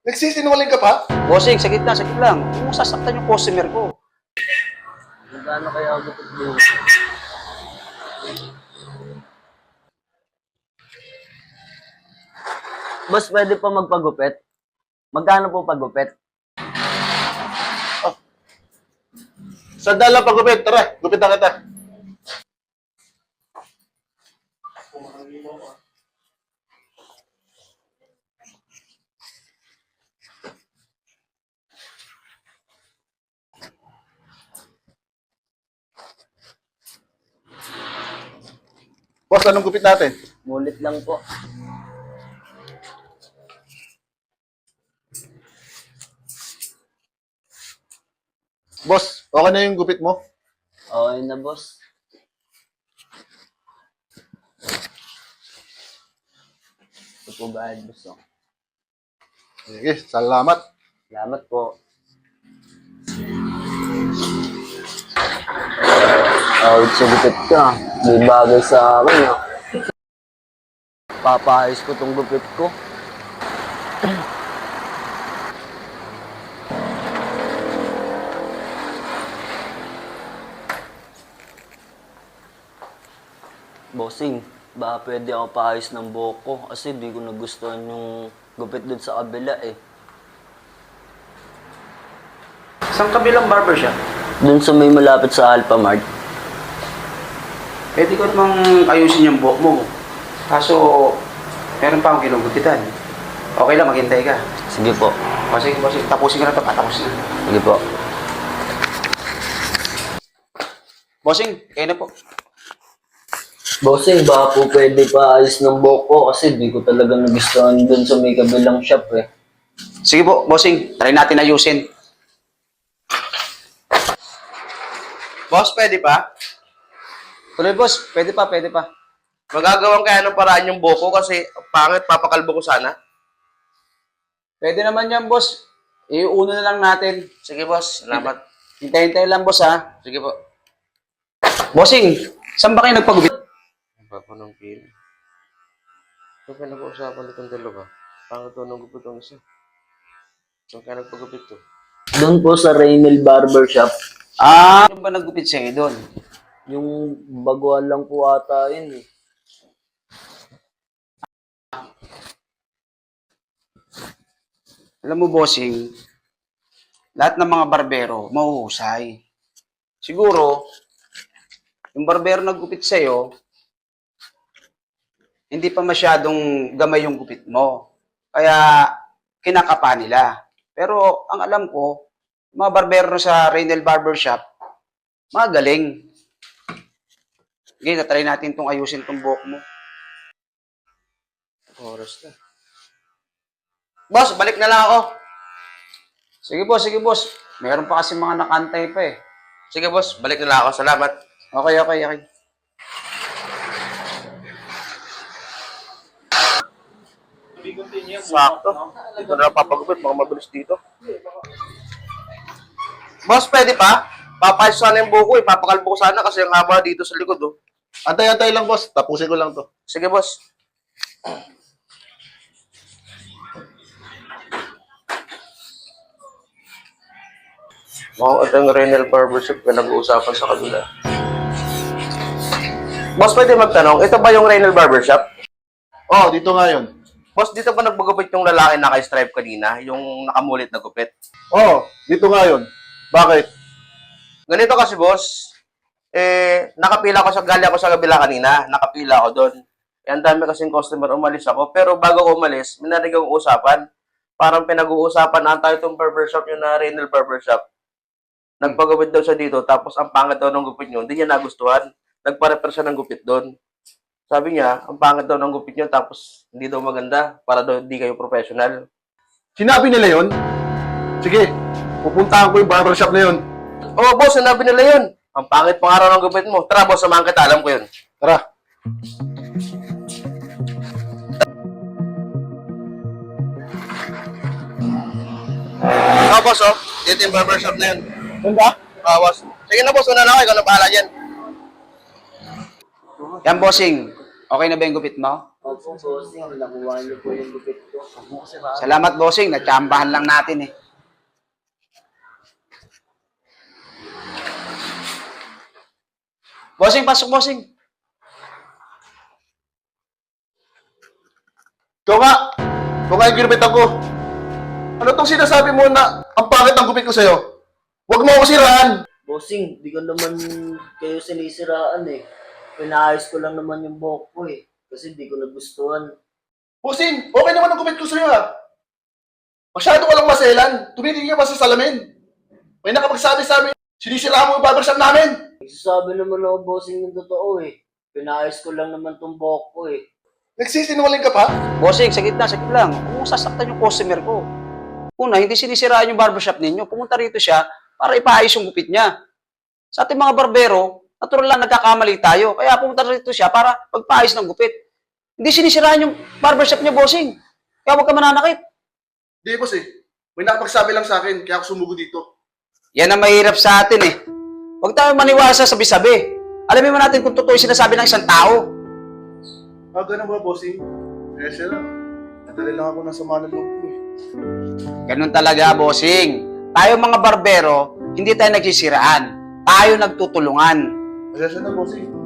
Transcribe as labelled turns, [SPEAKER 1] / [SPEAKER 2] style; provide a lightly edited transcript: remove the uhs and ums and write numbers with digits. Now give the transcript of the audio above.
[SPEAKER 1] Nagsisinungaling ka pa?
[SPEAKER 2] Bossing, saglit lang. Huwag mong sasaktan yung customer ko.
[SPEAKER 3] Magkano kaya ako gupit dito? Boss, pwede pa magpagupit? Magkano po pagupit?
[SPEAKER 1] Sandala pagupit. Tara, gupitan kita. Boss, anong gupit natin?
[SPEAKER 3] Mulit lang po.
[SPEAKER 1] Boss, okay na yung gupit mo?
[SPEAKER 3] Okay na, boss. Ito po ba, boss? Oh.
[SPEAKER 1] Sige, salamat.
[SPEAKER 3] Salamat po. Sa gupit ka. May bagay sa akin, ah. Papaayos ko tong gupit ko. Bossing, baka pwede ako paayos ng buhok ko kasi di ko nagustuhan yung gupit dun sa kabila eh.
[SPEAKER 2] Saan kabilang barbershop?
[SPEAKER 3] Dun sa may malapit sa Alphamart.
[SPEAKER 2] Pwede ko namang ayusin yung buhok mo. Kaso, meron pa akong ginugupitan. Okay lang, maghintay ka.
[SPEAKER 3] Sige po.
[SPEAKER 2] O sige, bossing, tapusin ko na ito, patapos na.
[SPEAKER 3] Sige po.
[SPEAKER 2] Bossing, kayo na po.
[SPEAKER 3] Bossing, baka po pwede paayos ng buhok ko kasi di ko talaga nagustuhan dun sa may kabilang shop eh.
[SPEAKER 2] Sige po, bossing, try natin ayusin.
[SPEAKER 4] Boss, pwede pa?
[SPEAKER 2] Tuloy, boss. Pwede pa.
[SPEAKER 4] Magagawan kaya ng paraan yung buko kasi pangit, papakalbo ko sana.
[SPEAKER 2] Pwede naman yan, boss. Iuuna na lang natin.
[SPEAKER 4] Sige, boss. Salamat.
[SPEAKER 2] Hintay-hintay lang, boss, ha?
[SPEAKER 4] Sige po.
[SPEAKER 2] Bossing, saan ba kayo nagpagupit?
[SPEAKER 4] Papa ng pili. Ito ka nag-uusapan itong dalawa. Pangit to nung gupit ang isa. Saan kaya nagpagupit to?
[SPEAKER 3] Doon po sa Raynel Barbershop,
[SPEAKER 2] Ano ba naggupit sa'yo doon?
[SPEAKER 3] yung baguhan lang po ata yun eh.
[SPEAKER 2] Alam mo, bossing, lahat ng mga barbero, mahuhusay. Siguro, yung barbero naggupit sa'yo, hindi pa masyadong gamay yung gupit mo. Kaya, kinakapa nila. Pero, ang alam ko, mga barbero sa Raynel Barbershop, magaling. Okay, natry natin itong ayusin itong buhok mo.
[SPEAKER 4] Oras na.
[SPEAKER 2] Boss, balik na lang ako. Sige boss. Meron pa kasi mga nakantay pa eh.
[SPEAKER 4] Sige, boss. Balik na lang ako. Salamat.
[SPEAKER 2] Okay.
[SPEAKER 4] Sakto. Dito na lang papagupit. Mga mabilis dito. Boss, pwede pa? Papayos sana yung buko eh. Papakalbo ko sana kasi ang haba dito sa likod oh.
[SPEAKER 1] Antay-antay lang, boss. Tapusin ko lang to.
[SPEAKER 4] Sige, boss. Ito yung Renal Barbershop na nag-uusapan sa kabila. Boss, pwede magtanong, ito ba yung Renal Barbershop?
[SPEAKER 1] Oh, dito nga yun.
[SPEAKER 4] Boss, dito ba nagbagupit yung lalaki na naka-stripe kanina? Yung nakamulit na gupit?
[SPEAKER 1] Oh, dito nga yun. Bakit?
[SPEAKER 4] Ganito kasi, boss. Nakapila ko gali ako sa kabila kanina. Nakapila ako doon. Ang dami kasing customer, umalis ako. Pero bago ko umalis, may narinig akong usapan. Parang pinag-uusapan na tayo itong barbershop yung na Renal Barbershop. Nagpagupit daw siya dito, tapos ang pangit daw ng gupit niyo, hindi niya nagustuhan. Nagpa-repair siya ng gupit doon. Sabi niya, ang pangit daw ng gupit niyo, tapos hindi daw maganda, para daw hindi kayo professional.
[SPEAKER 1] Sinabi nila yun? Sige, pupuntahan ko yung barbershop na yun.
[SPEAKER 4] Oo, boss, sinabi nila yun. Ang pangit pang araw ng gupit mo. Tara, boss, samahan kita, alam ko yun.
[SPEAKER 1] Tara.
[SPEAKER 4] Boss, oh. Dito yung barbershop na yun.
[SPEAKER 1] Saan ba?
[SPEAKER 4] Boss. Sige na, boss. Una na ako. Ikaw na bahala dyan.
[SPEAKER 2] Yan, bossing. Okay na ba yung gupit mo?
[SPEAKER 3] Opo, bossing. Nakuha niyo po yung gupit ko.
[SPEAKER 2] Salamat, bossing. Natsambahan lang natin eh. Bossing, pasok, bossing.
[SPEAKER 1] Ikaw nga! Ikaw nga yung ginupitan ko. Ano tong sinasabi mo na ang pangit ng gupit ko sa'yo? Huwag mo ako siraan!
[SPEAKER 3] Bossing, di ko naman kayo sinisiraan eh. Pinaayos ko lang naman yung buhok ko eh. Kasi di ko nagustuhan.
[SPEAKER 1] Bossing, okay naman ang gupit ko sa'yo ha. Masyado ka lang maselan. Tumitingin ka pa sa salamin. May nakapagsabi sa amin, sinisiraan mo yung barbershop namin.
[SPEAKER 3] Nagsasabi naman ako, bossing, yung totoo eh. Pinaayos ko lang naman tong buhok ko eh.
[SPEAKER 1] Nagsisinungaling ka pa?
[SPEAKER 2] Bossing, saglit lang. Huwag mong sasaktan yung customer ko. Una, hindi sinisiraan yung barbershop ninyo. Pumunta rito siya para ipaayos yung gupit niya. Sa ating mga barbero, natural lang nagkakamali tayo. Kaya pumunta rito siya para magpaayos ng gupit. Hindi sinisiraan yung barbershop niya, bossing. Kaya huwag ka mananakit.
[SPEAKER 1] Di, boss eh. May nakapagsabi lang sa akin, kaya ako sumugo dito.
[SPEAKER 2] Yan ang mahirap sa atin eh. Huwag tayo maniwala sa sabi-sabi. Alamin mo natin kung totoo yung sinasabi ng isang tao.
[SPEAKER 1] Ah, ganun ba, bossing? Eh, siya lang. Nadali lang ako ng sama ng loob ko eh.
[SPEAKER 2] Ganun talaga, bossing. Tayo mga barbero, hindi tayo nagsisiraan. Tayo nagtutulungan.
[SPEAKER 1] Kaya siya na, bossing.